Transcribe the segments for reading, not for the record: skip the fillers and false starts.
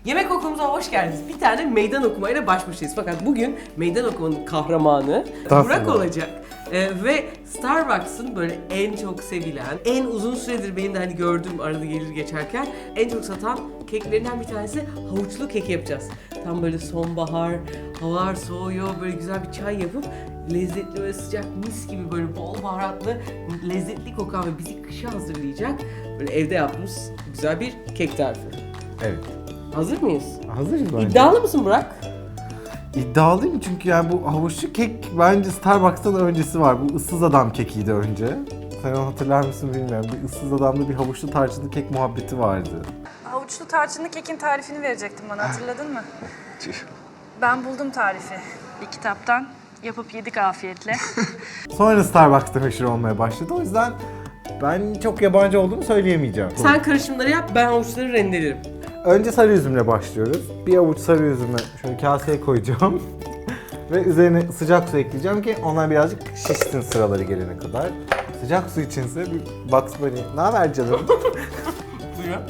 Yemek okulumuza hoş geldiniz. Bir tane meydan okumayla baş başayız. Fakat bugün meydan okumanın kahramanı Burak olacak. Ve Starbucks'ın böyle en çok sevilen, en uzun süredir benim de hani gördüğüm arada gelir geçerken en çok satan keklerinden bir tanesi havuçlu kek yapacağız. Tam böyle sonbahar, havalar soğuyor, böyle güzel bir çay yapıp lezzetli ve sıcak mis gibi böyle bol baharatlı, lezzetli kokan ve bizi kışa hazırlayacak böyle evde yaptığımız güzel bir kek tarifi. Evet. Hazır mıyız? Hazırız bence. İddialı mısın Burak? İddialıyım çünkü yani bu havuçlu kek bence Starbucks'tan öncesi var. Bu ıssız adam kekiydi önce. Sen onu hatırlar mısın bilmiyorum. Bir ıssız adamda bir havuçlu tarçınlı kek muhabbeti vardı. Havuçlu tarçınlı kekin tarifini verecektin bana, hatırladın mı? Ben buldum tarifi bir kitaptan. Yapıp yedik afiyetle. Sonra Starbucks'ta meşhur olmaya başladı. O yüzden ben çok yabancı olduğumu söyleyemeyeceğim. Sen karışımları yap, ben havuçları rendelerim. Önce sarı üzümle başlıyoruz. Bir avuç sarı üzümü şöyle kaseye koyacağım. Ve üzerine sıcak su ekleyeceğim ki onlar birazcık şişsin sıraları gelene kadar. Sıcak su içinse bir Bugs Bunny. Ne haber canım? Buyurun.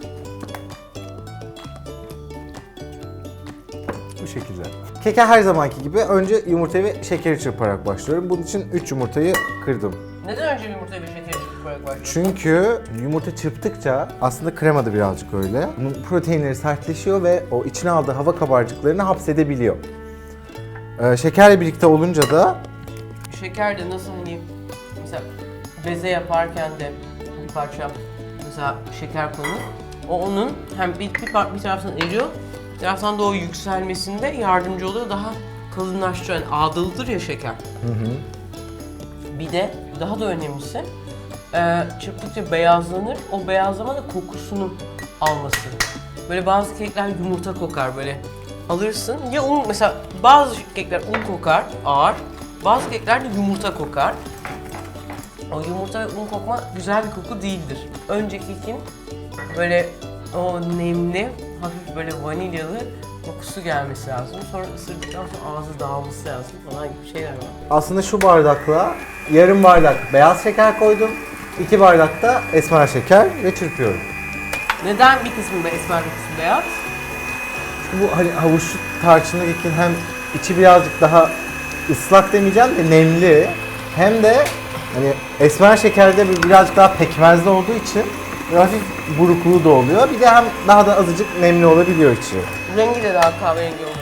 Bu şekilde. Keke her zamanki gibi önce yumurtayı ve şekeri çırparak başlıyorum. Bunun için 3 yumurtayı kırdım. Neden önce yumurtayı ve şekeri çırparak başlıyorsun? Çünkü yumurta çırptıkça aslında krema da birazcık öyle. Bunun proteinleri sertleşiyor ve o içine aldığı hava kabarcıklarını hapsedebiliyor. Şekerle birlikte olunca da Şeker de nasıl hani mesela beze yaparken de bir parça mesela şeker konur. O onun hem bir taraftan eriyor, bir taraftan da o yükselmesinde yardımcı oluyor. Daha kalınlaştırıyor. Yani ağdalıdır ya şeker. Bir de daha da önemlisi çırptıkça beyazlanır. O beyazlama da kokusunu alması. Böyle bazı kekler yumurta kokar böyle. Alırsın ya un, mesela bazı kekler un kokar ağır, bazı kekler de yumurta kokar. O yumurta ve un kokma güzel bir koku değildir. Önce kekin böyle o nemli, hafif böyle vanilyalı kokusu gelmesi lazım. Sonra ısırdıktan sonra ağzı dağılması lazım falan gibi şeyler var. aslında şu bardakla yarım bardak beyaz şeker koydum. 2 bardak da esmer şeker ve çırpıyorum. Neden bir kısmı esmer bir kısmı beyaz? Bu hani havuçlu tarçınlı kekin hem içi birazcık daha ıslak demeyeceğim de nemli, hem de hani esmer şekerde birazcık daha pekmezli olduğu için hafif burukluğu da oluyor. Bir de hem daha da azıcık nemli olabiliyor içi. Rengi de daha kahverengi oluyor.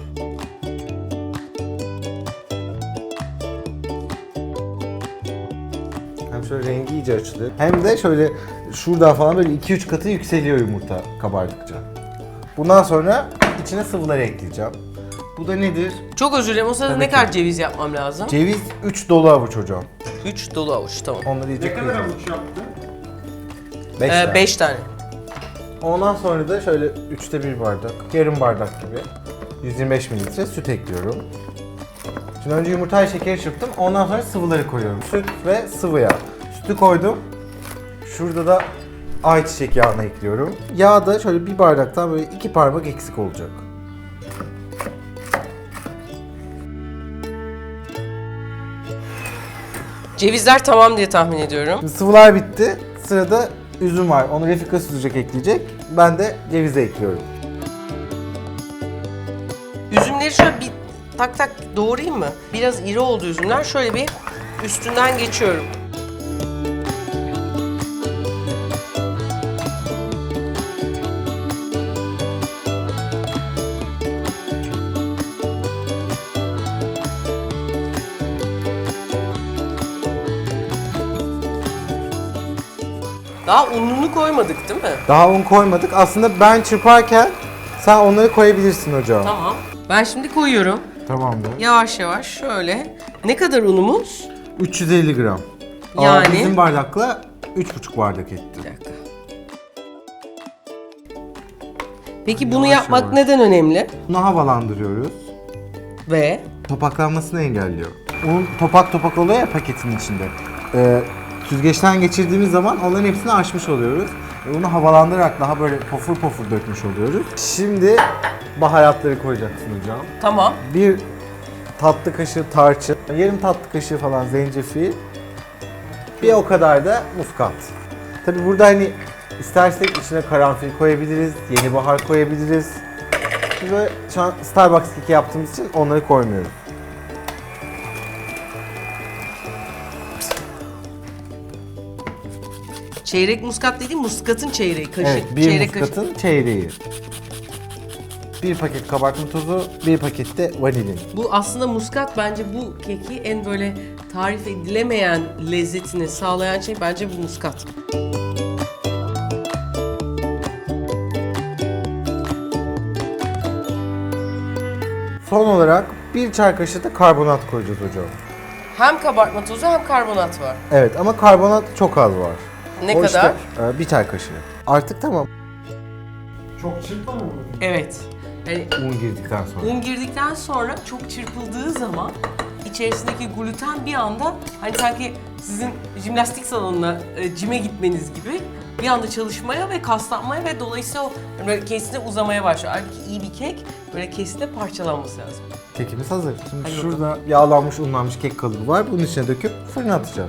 Hem şöyle rengi iyice açılıyor. Hem de şöyle şuradan falan böyle 2-3 katı yükseliyor yumurta kabardıkça. Bundan sonra içine sıvıları ekleyeceğim. Bu da nedir? Çok özür dilerim. O sırada Tabii ne ki. kadar ceviz yapmam lazım? Ceviz 3 dolu avuç hocam. 3 dolu avuç, tamam. Onları iyice Ne kadar kıracağım. avuç yaptın? 5 tane. 5 tane. Ondan sonra da şöyle 3'te 1 bardak, yarım bardak gibi 125 mililitre süt ekliyorum. Şimdi önce yumurtayı şekeri çırptım, ondan sonra sıvıları koyuyorum. Süt ve sıvı yağ. Sütü koydum. Şurada da ayçiçek yağını ekliyorum. Yağ da şöyle bir bardaktan böyle 2 parmak eksik olacak. Cevizler tamam diye tahmin ediyorum. Şimdi sıvılar bitti. Sırada üzüm var. Onu Refika süzecek, ekleyecek. Ben de cevizi ekliyorum. Üzümleri şöyle bir tak tak doğrayayım mı? Biraz iri oldu üzümler. Şöyle bir üstünden geçiyorum. Daha ununu koymadık değil mi? Daha un koymadık. Aslında ben çırparken sen onları koyabilirsin hocam. Tamam. Ben şimdi koyuyorum. Tamamdır. Yavaş yavaş şöyle. Ne kadar unumuz? 350 gram. Yani? Bizim bardakla 3,5 bardak etti. Bir dakika. Peki bunu Yavaş yapmak yavaş. neden önemli? Bunu havalandırıyoruz. Ve Topaklanmasını engelliyor. Un topak topak oluyor ya paketin içinde. Süzgeçten geçirdiğimiz zaman onların hepsini açmış oluyoruz. Onu havalandırarak daha böyle pofur pofur dökmüş oluyoruz. Şimdi baharatları koyacaksın hocam. tamam. Bir tatlı kaşığı tarçın, yarım tatlı kaşığı falan zencefil, bir o kadar da muskat. Tabi burada hani İstersek içine karanfil koyabiliriz, yeni bahar koyabiliriz. Biz böyle şu an Starbucks keki yaptığımız için onları koymuyoruz. Çeyrek muskat dediğim muskatın çeyreği. Kaşık, Evet, bir çeyrek muskatın çeyreği. Bir paket kabartma tozu, bir paket de vanilin. Bu aslında muskat bence bu keki en böyle tarif edilemeyen lezzetini sağlayan şey bence bu muskat. Son olarak bir çay kaşığı da karbonat koyacağız hocam. Hem kabartma tozu hem karbonat var. Evet ama karbonat çok az var. Ne O kadar? işte, bir çay kaşığı. Artık tamam. Çok çırpma mı? Evet. Yani Un girdikten sonra. un girdikten sonra çok çırpıldığı zaman içerisindeki gluten bir anda hani sanki sizin jimnastik salonuna cime gitmeniz gibi bir anda çalışmaya ve kaslanmaya ve dolayısıyla o hani böyle kesine uzamaya başlıyor. Halbuki iyi bir kek böyle kesine parçalanması lazım. Kekimiz hazır. Şimdi Hadi şurada yağlanmış, unlanmış kek kalıbı var. Bunun içine döküp fırına atacağız.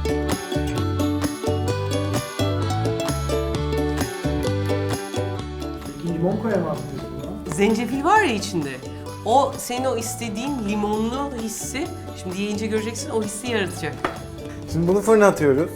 Peki limon koyamaz mıyız buna? Zencefil var ya içinde. O senin o istediğin limonlu hissi, şimdi yiyince göreceksin o hissi yaratacak. Şimdi bunu fırına atıyoruz.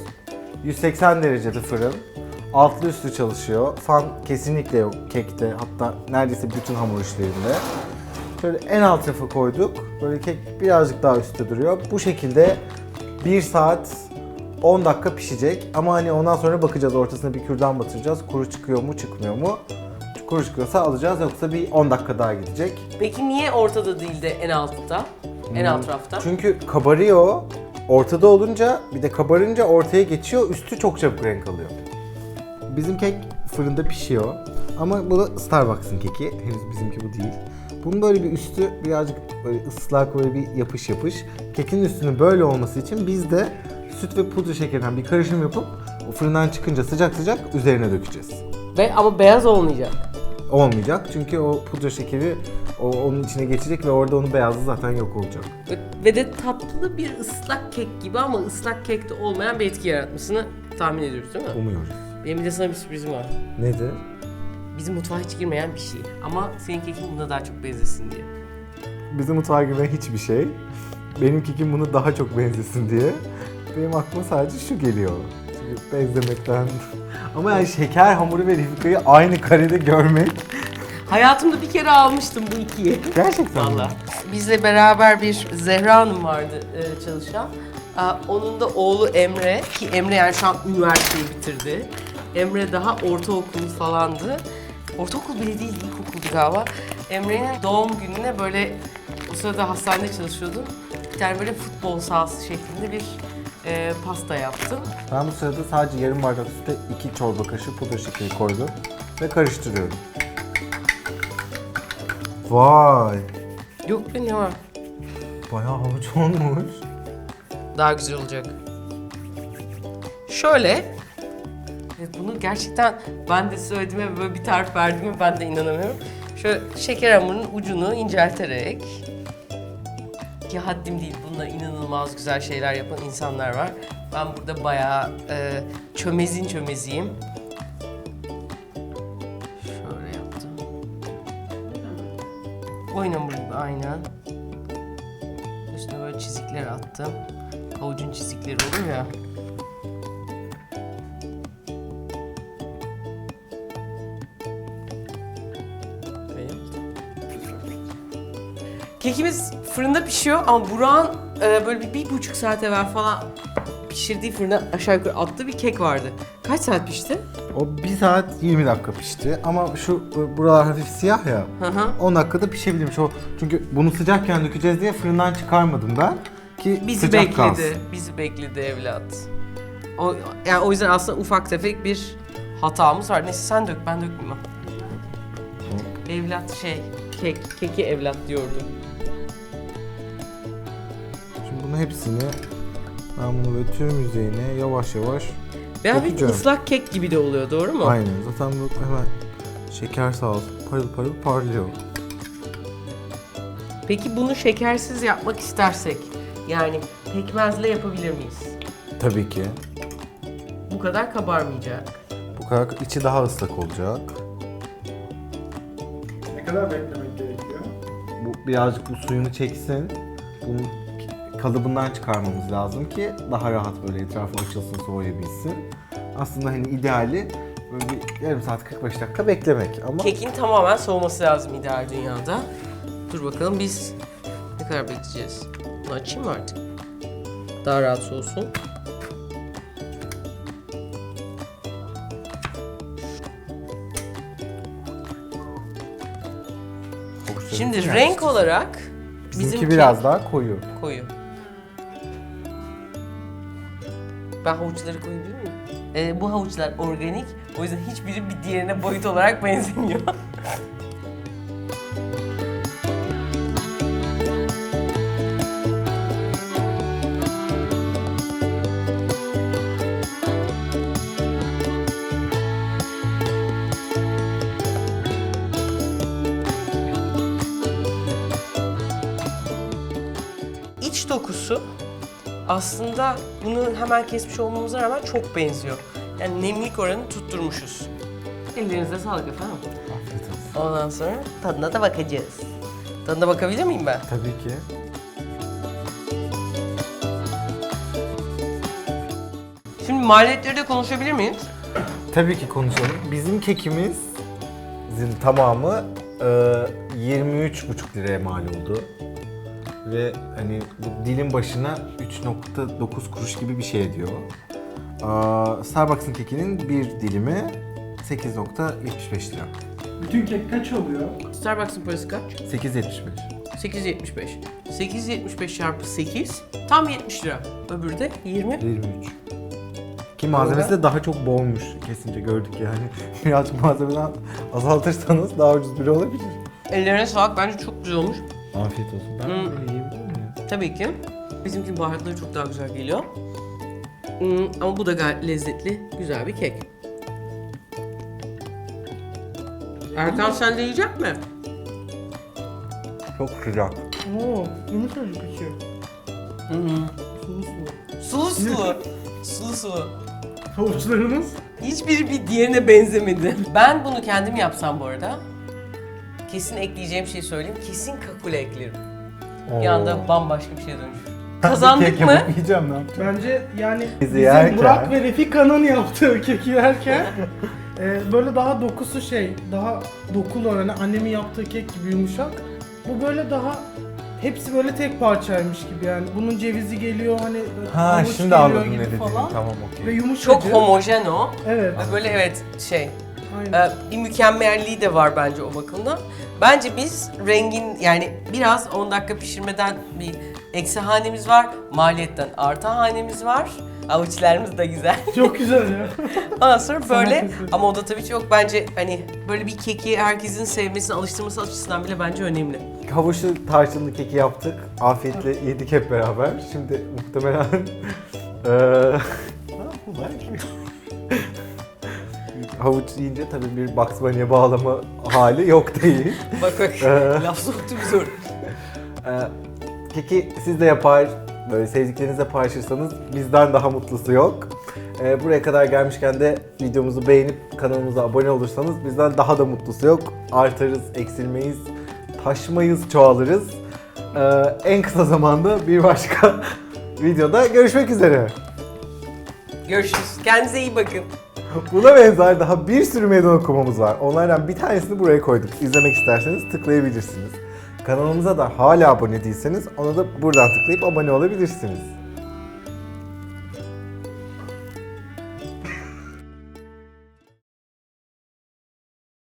180 derecede fırın. Altlı üstlü çalışıyor. Fan kesinlikle yok kekte. Hatta neredeyse bütün hamur işlerinde. Şöyle en alt rafa koyduk. Böyle kek birazcık daha üstte duruyor. Bu şekilde 1 saat 10 dakika pişecek. Ama hani ondan sonra bakacağız. Ortasına bir kürdan batıracağız. Kuru çıkıyor mu çıkmıyor mu? Kuru çıkıyorsa alacağız. Yoksa bir 10 dakika daha gidecek. Peki niye ortada değil de en altta? En alt rafta? Çünkü kabarıyor. Ortada olunca bir de kabarınca ortaya geçiyor. Üstü çok çabuk renk alıyor. Bizim kek fırında pişiyor. Ama bu da Starbucks'ın keki. Henüz bizimki bu değil. Bunun böyle bir üstü birazcık böyle ıslak, böyle bir yapış yapış. Kekin üstünün böyle olması için biz de süt ve pudra şekerinden bir karışım yapıp o fırından çıkınca sıcak sıcak üzerine dökeceğiz. Ama beyaz olmayacak. Olmayacak çünkü o pudra şekeri onun içine geçecek ve orada onun beyazı zaten yok olacak. Ve de tatlı bir ıslak kek gibi ama ıslak kekte olmayan bir etki yaratmasını tahmin ediyoruz değil mi? Umuyoruz. Benim bir de sana bir sürprizim var. Nedir? Bizim mutfağa hiç girmeyen bir şey. Ama senin kekin buna daha çok benzesin diye. Bizim mutfağa giren hiçbir şey. Benim kekim bunu daha çok benzesin diye. Benim aklıma sadece şu geliyor. Çünkü benzemekten... Ama yani şeker hamuru ve Refika'yı aynı karede görmek... Hayatımda bir kere almıştım bu ikiyi. Gerçekten mi? Valla. Bizle beraber bir Zehra Hanım vardı çalışan. Onun da oğlu Emre, ki Emre yani şu an üniversiteyi bitirdi. Emre daha ortaokul falandı. Ortaokul bile değil, ilkokuldu galiba. Emre'nin doğum gününe böyle, o sırada hastanede çalışıyordum. Bir tane böyle futbol sahası şeklinde bir pasta yaptım. Ben bu sırada sadece yarım bardak süte 2 çorba kaşığı pudra şekeri koydum ve karıştırıyorum. Vay! Yok be ne var? Bayağı havuç olmuş. Daha güzel olacak. Şöyle, evet bunu gerçekten ben de söylediğime böyle bir tarif verdiğime ben de inanamıyorum. Şöyle şeker hamurunun ucunu incelterek, ki haddim değil, bununla inanılmaz güzel şeyler yapan insanlar var. Ben burada bayağı çömeziyim. Şöyle yaptım. Oyun hamuru gibi aynen. Üstüne böyle çizikler attım. Havucun çizikleri olur ya. Kekimiz fırında pişiyor ama Burak'ın böyle bir buçuk saat evvel falan pişirdiği fırına aşağı yukarı attığı bir kek vardı. Kaç saat pişti? O 1 saat 20 dakika pişti ama şu buralar hafif siyah ya. Hı hı. 10 dakikada pişebilmiş o. Çünkü bunu sıcakken dökeceğiz diye fırından çıkarmadım ben ki Bizi sıcak bekledi. kalsın. Bizi bekledi evlat. Yani o yüzden aslında ufak tefek bir hatamız var. Neyse sen dök, ben dökmeyeyim. Evlat keki evlat diyordum. Şimdi bunun hepsini ben bunu böyle tüm yüzeyine yavaş yavaş Ve bir dökeceğim. ıslak kek gibi de oluyor, doğru mu? Aynen. Zaten bu hemen şeker sağ olsun parıl parıl parlıyor. Peki bunu şekersiz yapmak istersek, yani pekmezle yapabilir miyiz? Tabii ki. Bu kadar kabarmayacak. Bu Bu kadar içi daha ıslak olacak. Ne kadar beklemek gerekiyor? Bu birazcık bu suyunu çeksin. Bunu kalıbından çıkarmamız lazım ki daha rahat böyle etrafı açılsın, soğuyabilsin. Aslında hani ideali böyle bir yarım saat 45 dakika beklemek ama Kekin tamamen soğuması lazım ideal dünyada. Dur bakalım biz ne kadar bekleyeceğiz? Bunu açayım mı artık? Daha rahat soğusun. Şimdi renk olarak bizimki biraz daha koyu. koyu. Ben havuçları koyabilir miyim? Bu havuçlar organik. O yüzden hiçbiri bir diğerine boyut olarak benzemiyor. İç dokusu aslında bunu hemen kesmiş olmamıza rağmen çok benziyor. Yani nemlik oranını tutturmuşuz. Ellerinize sağlık efendim. Afiyet olsun. Ondan sonra tadına da bakacağız. Tadına bakabilir miyim ben? Tabii ki. Şimdi maliyetleri de konuşabilir miyiz? Tabii ki konuşalım. Bizim kekimizin tamamı 23,5 liraya mal oldu. Ve hani bu dilim başına 3,9 kuruş gibi bir şey ediyor. Starbucks'ın kekinin bir dilimi 8,75 lira. Bütün kek kaç oluyor? Starbucks'ın parası kaç? 8,75. 8.75. 8.75 çarpı 8 tam 70 lira. Öbürü de 20. 23. Ki malzemesi de daha çok bolmuş kesince gördük yani. Birazcık malzemeden azaltırsanız daha ucuz biri olabilir. Ellerine sağlık, bence çok güzel olmuş. Afiyet olsun. Ben böyle yiyebilir miyim? Tabii ki. Bizimkinin baharatları çok daha güzel geliyor. Ama bu da gayet lezzetli, güzel bir kek. Erkan sen de yiyecek mi? Çok sıcak. Oo, yumuşacık içi. Sulu sulu. Sulu sulu. Sulu sulu. Havuçlarınız? Hiçbiri bir diğerine benzemedi. Ben bunu kendim yapsam bu arada, kesin ekleyeceğim şeyi söyleyeyim. Kesin kakule eklerim. Bir anda bambaşka bir şeye dönüşür. Kazandık mı? Yiyeceğim ne yapacağım? Bence yani Bizi bizim yerken- Burak ve Refika'nın yaptığı keki yerken böyle daha dokusu daha dokulu hani annemin yaptığı kek gibi yumuşak. Bu böyle daha hepsi böyle tek parçaymış gibi yani. Bunun cevizi geliyor hani Ha havuç şimdi geliyor anladım gibi ne dediğini. falan. Tamam Ve okey. yumuşacık. Çok homojen o. Evet. Ve böyle evet Aynen. bir mükemmelliği de var bence o bakımdan. Bence biz rengin yani biraz 10 dakika pişirmeden bir eksi hanemiz var. Maliyetten artı hanemiz var. Avuçlarımız da güzel. Çok güzel ya. Ondan sonra böyle eseri. ama o da tabii çok bence hani böyle bir keki herkesin sevmesini, alıştırması açısından bile bence önemli. Havuçlu tarçınlı keki yaptık. Afiyetle yedik hep beraber. Şimdi muhtemelen havuç yiyince tabii bir Bugs Bunny'e bağlama hali yok değil. Bak laf soktu bir zor. Keki siz de yapar, böyle sevdiklerinizle paylaşırsanız bizden daha mutlusu yok. Buraya kadar gelmişken de videomuzu beğenip kanalımıza abone olursanız bizden daha da mutlusu yok. Artarız, eksilmeyiz, taşmayız, çoğalırız. En kısa zamanda bir başka videoda görüşmek üzere. Görüşürüz. Kendinize iyi bakın. Buna benzer daha bir sürü meydan okumamız var. Onlardan bir tanesini buraya koyduk. İzlemek isterseniz tıklayabilirsiniz. Kanalımıza da hala abone değilseniz ona da buradan tıklayıp abone olabilirsiniz.